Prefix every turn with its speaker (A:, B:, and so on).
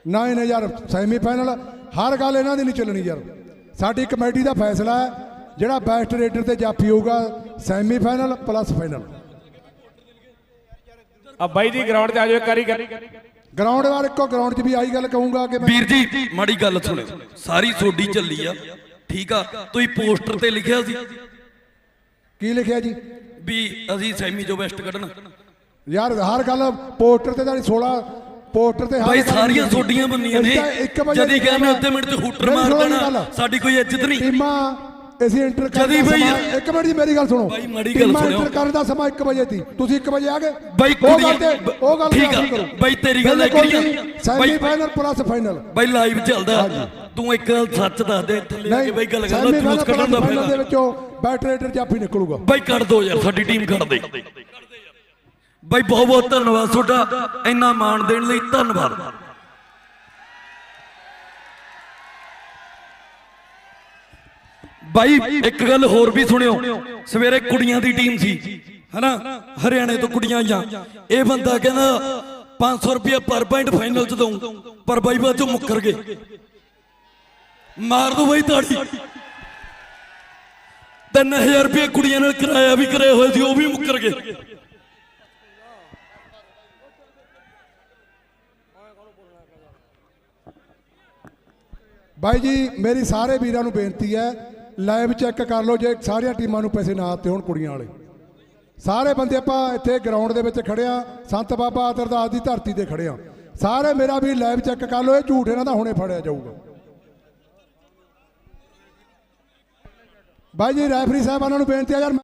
A: 9 यार सैमीफाइनल हर गल इन्हां दी नहीं चलनी यार। साडी कमेटी का फैसला है जिहड़ा बेस्ट रेडर ते जाफी होगा सैमीफाइनल प्लस फाइनल।
B: अब बाई जी ग्राउंड ते आ जाओ कारी
A: ग्राउंड वार इको ग्राउंड च भी आई गल कहूंगा कि
C: वीर जी माड़ी गल सुनो सारी सोडी चली आ ठीक आ तुसीं पोस्टर ते लिखिया सी
A: की लिखिया जी
C: भी असीं सैमी जो बेस्ट कढना
A: यार हर गल पोस्टर ते 16 पोस्टर ते
C: भाई सारियां सोडियां बन्नियां ने जदी कहना अद्धे मिनट च हूटर मार देना साडी कोई इज्जत नहीं
A: टीमां ਅਸੀਂ ਇੰਟਰ
C: ਜਦੀ ਬਈ
A: ਇੱਕ ਮਿੰਟ ਜੀ ਮੇਰੀ ਗੱਲ ਸੁਣੋ
C: ਬਾਈ ਮਾੜੀ ਗੱਲ ਸੁਣੋ
A: ਇੰਟਰ ਕਰਨ ਦਾ ਸਮਾਂ 1 ਵਜੇ ਸੀ ਤੁਸੀਂ 1 ਵਜੇ ਆ ਗਏ
C: ਬਾਈ
A: ਉਹ ਗੱਲ
C: ਠੀਕ ਆ ਬਾਈ ਤੇਰੀ ਗੱਲ ਐਗਰੀ ਆ
A: ਸੈਮੀ ਫਾਈਨਲ ਪਲੱਸ ਫਾਈਨਲ
C: ਬਾਈ ਲਾਈਵ ਚੱਲਦਾ ਤੂੰ ਇੱਕ ਗੱਲ ਸੱਚ ਦੱਸ ਦੇ ਥੱਲੇ ਆ ਕੇ ਬਾਈ ਗੱਲ ਕਰਦਾ ਜੂਸ ਕੱਢਣ ਦਾ ਫਾਇਦਾ
A: ਦੇ ਵਿੱਚੋਂ ਬੈਟਰੇਟਰ ਜਾਫੀ ਨਿਕਲੂਗਾ
C: ਬਾਈ ਕੱਢ ਦੋ ਯਾਰ ਸਾਡੀ ਟੀਮ ਕੱਢ ਦੇ ਬਾਈ ਬਹੁਤ ਬਹੁਤ ਧੰਨਵਾਦ ਤੁਹਾਡਾ ਇੰਨਾ ਮਾਣ ਦੇਣ ਲਈ ਧੰਨਵਾਦ। भाई एक गल होर भी सुनियो सवेरे कुड़ियां दी टीम सी है ना हरियाणे तो कुड़ियां आईयां ये बंदा कहना 500 रुपया पर पॉइंट फाइनल च दूं पर बाई बाद चो मुकर गए मार दो बाई ताड़ी 3000 रुपया कुड़ियां नाल किराया भी कराया हुआ सी वो भी मुकर गए।
A: भाई जी मेरी सारे वीरां नूं बेनती है लाइव चैक कर लो जे सारिया टीमां नूं पैसे ना आते होण कुड़ियां वाले सारे बंदे आपां इत्थे ग्राउंड दे विच खड़े आ संत बाबा अतरदास दी धरती ते खड़े आ सारे मेरा भी लाइव चैक कर लो ये झूठ इन्हां दा हुणे फड़िया जाऊगा। भाई जी रैफरी साहबानां नूं बेनती है यार